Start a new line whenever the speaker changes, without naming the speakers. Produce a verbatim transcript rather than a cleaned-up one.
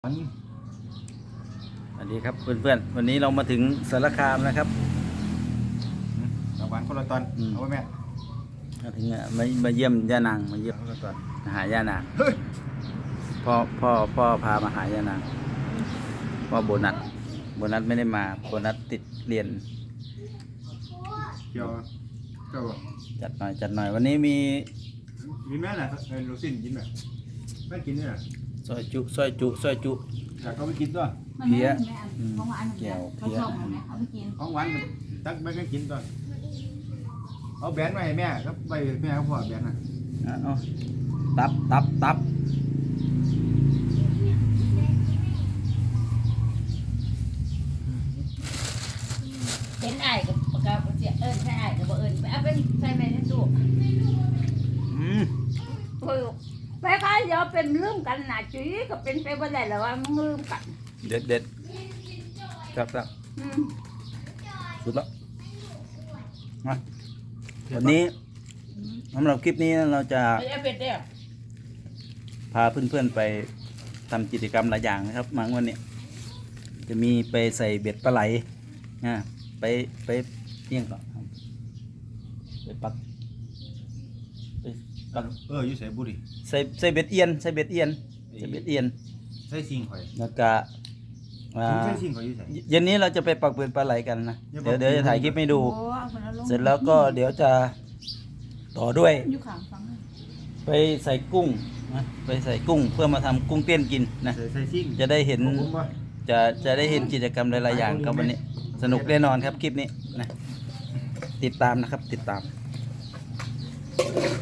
สวัสดีครับเพื่อนๆวันนี้เรามาถึงสารคามนะครับ
รางวัลคนละตอนเอาไว้แม่
มาถึงอ่ะมามาเยี่ยมย่านางมาเยี่ยม
คนละตอน
มาหาย่านาง
เฮ้ย
พ่อพ่อพ่อพามาหาย่านางพ่อโบนัสโบนัสไม่ได้มาโบนัสติดเรียน
เกี่ยวเกี่ยว
จัดหน่อยจัดหน่อยวันนี้มี
มีแม่น่ะเออลูซินกินแบบแม่กินเนี่ย
ซอยจุซอยจุซอยจุ
อยากเขาไปกินด้วย
เพี้ย
ของหวาน
แก้ว
เขา
เพี้ย
ชอบไหมเขาไปกิน
ของหวานมันตักแม่ก็กินด้วยเอาแบนมาให้แม่ครับไปแม่เขาพ่อแบนน่ะ
อ่ะเอาตับตับตับ
เห็นไอ้กับกับเสียเอิญใช่ไอ้กับบ่เอิญไปเอาไปใส่ไปในตู้
อืม
โอ้ยไปค่ะเดี๋ยวเป็นลืมกันนะจุ้ยก็เป็นไปบ่ได้แล้วว่ามึงลืมกัน
เด็ดเด็ดครับครับ
อืม
สุดแล้วมาวันนี้สำหรับคลิปนี้เราจะ
ไปเอาเป็ดเด้อ
พาเพื่อนๆไปทำกิจกรรมหลายอย่างนะครับมาวันนี้จะมีไปใส่เบ็ดปลาไหลนะไปไปเที่ยงก่อนครับไปปักไปปัก
เอออยู่ใส่บุหรี่
ใส่ใส่เบ็ดเอียนใส่เบ็ดเอียนใส่เบ็ดเอียน
ใส่ซิงข่อย
แล้วก็อ่า
ใส่ซิงข่อยอยู่ใส่
เย็นนี้เราจะไปปักเบ็ดปลาไหลกันนะ
อย่าบ
เดี๋
อย ก
วเดี๋ยวจะถ่ายคลิปให้ดู
โอ้เอาคนละลง
เสร็จแล้วก็เดี๋ยวจะต่อด้วย
อยู่ข้างฟัง
ไปใส่กุ้งนะไปใส่กุ้งเพื่อมาทำกุ้งเต้นกินนะ
ใส่ใส่ซิง
จะได้เห็น
ของผมป่ะ
จะจะได้เห็นกิจกรรมหลายๆอย่างครับวันนี้ สนุกแน่นอนครับคลิปนี้นะติดตามนะครับติดตาม